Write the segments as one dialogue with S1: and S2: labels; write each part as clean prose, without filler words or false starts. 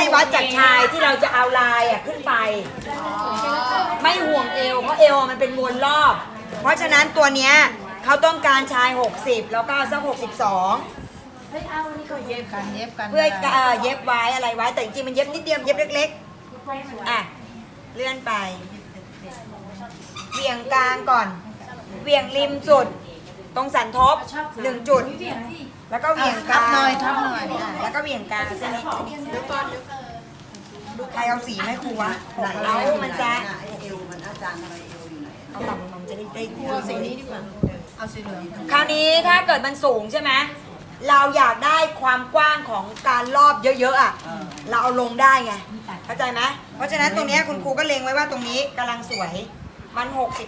S1: ให้วัดจากชายที่เราจะเอาลายขึ้นไปไม่ห่วงเอวเพราะเอวมันเป็นวนรอบเพราะฉะนั้นตัวเนี้ยเขาต้องการชาย60แล้วก็สัก62
S2: เย็บกัน
S1: เพื่อเย็บไว้อะไรไว้แต่จริงๆมันเย็บนิดเดียวเย็บเล็กๆอ่ะเลื่อนไปเหวี่ยงกลางก่อนเหวี่ยงริมสุดตรงสันทบ1จุดแล้วก็เหวี่ยงกลาง
S2: ทับหน่อย
S1: แล้วก็เหวี่ยงกลางเส้นนี้ใครเอาสีไหมครูวะเอามันจะ
S3: เอวมันอาจารย์อะไรเอวอยู่ไหน
S1: เอาต่ำมันจะได้
S2: เอาสีนี้ดีกว่าเอาสีเหลือง
S1: คราวนี้ถ้าเกิดมันสูงใช่ไหมเราอยากได้ความกว้างของการรอบเยอะๆอ่ะเราเอาลงได้ไงเข้าใจไหมเพราะฉะนั้นตรงนี้คุณครูก็เล็งไว้ว่าตรงนี้กำลังสวยมัน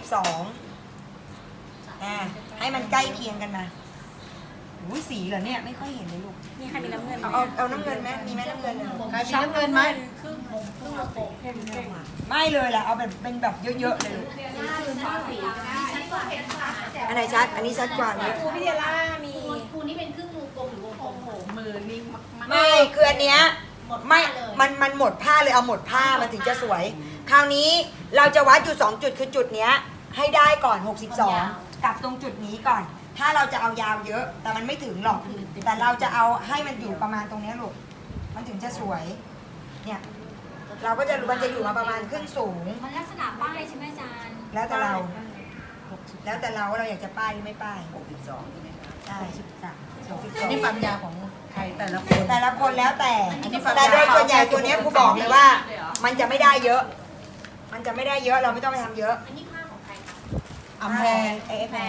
S1: 62ให้มันใกล้เคียงกันมาอุ้ยสีเหรอเนี่ยไม่ค่อยเห็นเลยลูก
S4: นี่ใครมีน้ำเงิน
S1: เอาน้ำเงินไหมมีไหมน้ำเงิน
S2: ใครมีน้ำเงินไหม
S1: ไม่เลยล่ะเอาแบบเป็นแบบเยอะๆเลยอันไหนชัดอันนี้ชัดกว่าเลย
S4: ครูพิเดล่ามี
S5: ครูนี่เป็นครึ่งวงกลมหรือวงกลม
S4: มือนิ่งมาก
S1: ไม่คืออันเนี้ยไม่มันหมดผ้าเลยเอาหมดผ้ามันถึงจะสวยคราวนี้เราจะวัดอยู่2จุดคือจุดเนี้ยให้ได้ก่อน62กับตรงจุดนี้ก่อนถ้าเราจะเอายาวเยอะแต่มันไม่ถึงหรอกแต่เราจะเอาให้มันอยู่ประมาณตรงนี้ลูกมันถึงจะสวยเนี่ยเราก็จะมันจะอยู่มาประมาณครึ่งสูง
S5: มันลักษณะป้ายใช่ไหมอาจารย์
S1: แล้วแต่เราว่าเราอยากจะป้ายหรือไม่ป้าย
S3: 62ใช่ไหมคะ
S1: ใช่
S2: 62นี่ความยาวของใครแต่ละคน
S1: แล้วแต่โดยส่วนใหญ่ตัวนี้ครูบอกเลยว่ามันจะไม่ได้เยอะเราไม่ต้องไปทำเยอะ
S5: อันนี้ผ้าของใครคะ
S2: อำแพง
S1: แพร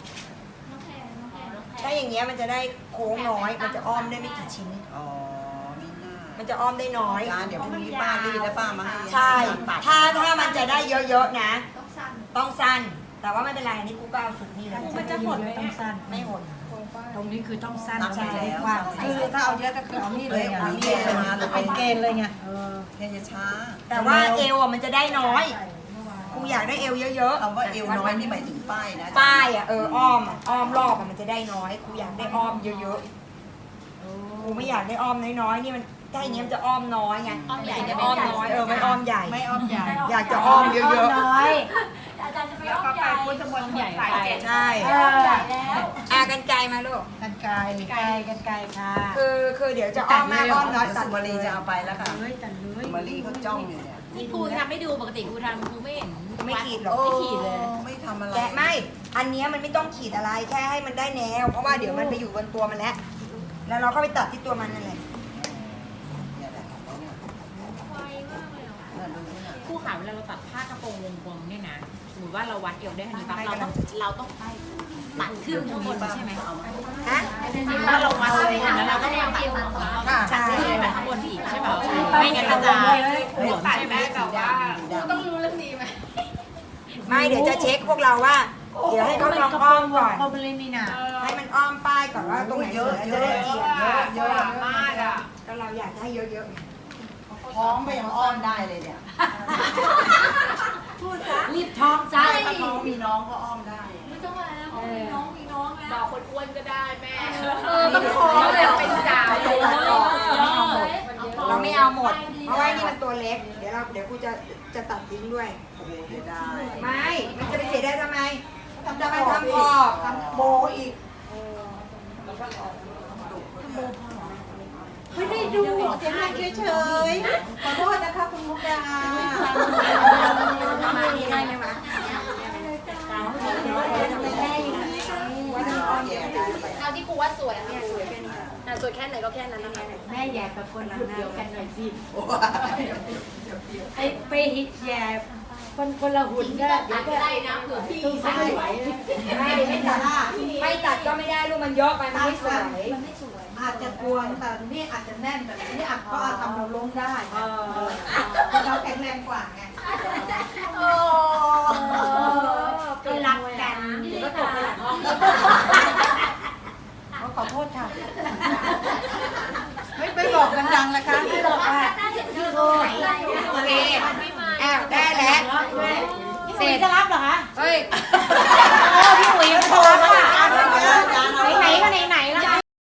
S1: ถ้าอย่างเงี้ยมันจะได้โค้งน้อยมันจะอ้อมได้ไม่กี่ชิ้น
S3: อ๋อมีหน้า
S1: มันจะอ้อมได้น้อย
S3: เดี๋ยวพรุ่งนี้ป้ารีดแล้วป้ามาให้
S1: ใช่ถ้ามันจะได้เยอะๆนะต้องสั้นแต่ว่าไม่เป็นไรอันนี้กูก็เอาสุดนี่เลย
S2: มันจะหดต้องสั้น
S1: ไม่หด
S2: ตรงนี้คือต้องสั้น
S3: ใช่แล้ว
S2: คือถ้าเอาเยอะก็คือเอานี่เลยเอานี่มาเป็นเกณฑ์เลยไง
S3: แค่จะช้า
S1: แต่ว่าเอวมันจะได้น้อยครูอยากได้เอวเยอะ
S3: ๆคำว่าเอวน้อยนี่หมายถึงป้ายนะ
S1: ป้ายอ้อมรอบมันจะได้น้อยครูอยากได้อ้อมเยอะๆครูไม่อยากได้อ้อมน้อยๆนี่มันถ้าอย่างนี้มันจะอ้อมน้อยไง
S5: อ้อมใหญ่
S1: อ้อมน้อยไม่อ้อมใหญ่
S2: ไม่อ้อมใหญ่
S1: อยากจะอ้อมเยอะ
S4: ๆน้อย
S5: อาจารย์จะไปอ้อมใหญ่
S4: พุทธมนต์ใหญ่
S1: ใช่กันไกลมาลูก
S2: กันไกลค่ะ
S1: คือเดี๋ยวจะอ้อมมากอ้อมน้อย
S3: สุมารีจะเอาไปแล้วค่ะสุมารีเขาจ้องอยู่เนี่ย
S5: นี่ครูทำไม่ดูปกติครูทำครูไม่เห็น
S1: ไม่ขีดหรอก
S5: ไม่ขีดเลย
S3: ไม่ทำอะไร
S1: แกะไม่อันนี้มันไม่ต้องขีดอะไรแค่ให้มันได้แนวเพราะว่าเดี๋ยวมันไปอยู่บนตัวมันแล้วเราก็ไปตัดที่ตัวมันนั่นแหละ
S4: ครูขาเวลาเราตัดผ้ากระโปรงวงกลมเนี่ยนะสมมติว่าเราวัดเอวได้ทันทีปั๊บเราต้องตัดขึ้นข้างบนใช่ไหมถ้าเราวัดเลยแล้วเราก็ต้องตัดแบบข้างบนอีกใช่ป่ะไม่งั้นมันจะหลวมใช่ไหมแต่ว่า
S5: ต้องรู้เรื่องนี้ไหม
S1: ไม่เดี๋ยวจะเช็คพวกเราว่าเดี๋ยวให้เขาลองอ้อมก่อน
S2: เขาไปเล่นนี่นะ
S1: ให้มันอ้อมป้ายก่อนว่าตรงไหนเยอะจะได้เยอะ
S4: มากอ่ะ
S1: ก็เราอยากได้เยอะ
S3: ท้องไปยังอ้อมได้เลยเนี่ย
S5: พูดซะ
S4: รีบท้องซะ
S3: ถ้าท้องมีน้องก็อ้อมได้
S5: ไม่ต้องอะไรแล้วมีน้องแล้ว
S4: บอกคนอ้วนก็ได้แม่
S5: ต้องท้องเลย
S4: เป็นสาว
S1: เราไม่เอาหมดเพราะว่านี่มันตัวเล็กเดี๋ยวกูจะตัดทิ้งด้วยไม่มันจะไปเสียได้ทำไมจะไปทำคอทำโบอีก
S2: ไม่ได้ดูเสียงดังเฉยๆขอโทษนะคะคุณมุกดา
S1: มาดีได้ไหมวะ
S5: เอาที่ครูว่าสวยเนี่ยสวยแค่นี้แต่สวยแค่ไหนก็แค่นั้นนะคะ
S4: แม่แย่กับคนเดียวกันหน่อยสิไปแย่คนละหุ่นก็
S5: เดี๋ยวก็ได้นะเผื่อพี่
S4: ใส่ไหว
S1: ไม่ตัดก็ไม่ได้ลูกมันเยอะไปมันไม่สวย
S2: อาจจะกวนแต่นี่อาจจะแน่นแต่นี่อาจก็ทำเราล้มได้เราแข็งแรงกว่าไง
S4: ก็รักกันก็ตกไปหลังห้อง
S2: ขอโทษค่ะไม่บอกดังๆนะคะไม่บอกว่า
S1: โอเคได้แล้ว
S4: เสร็จจะรับเหรอคะ
S1: เฮ้ย
S4: พี่อุ๋ยโทรมาไหนก็ไหน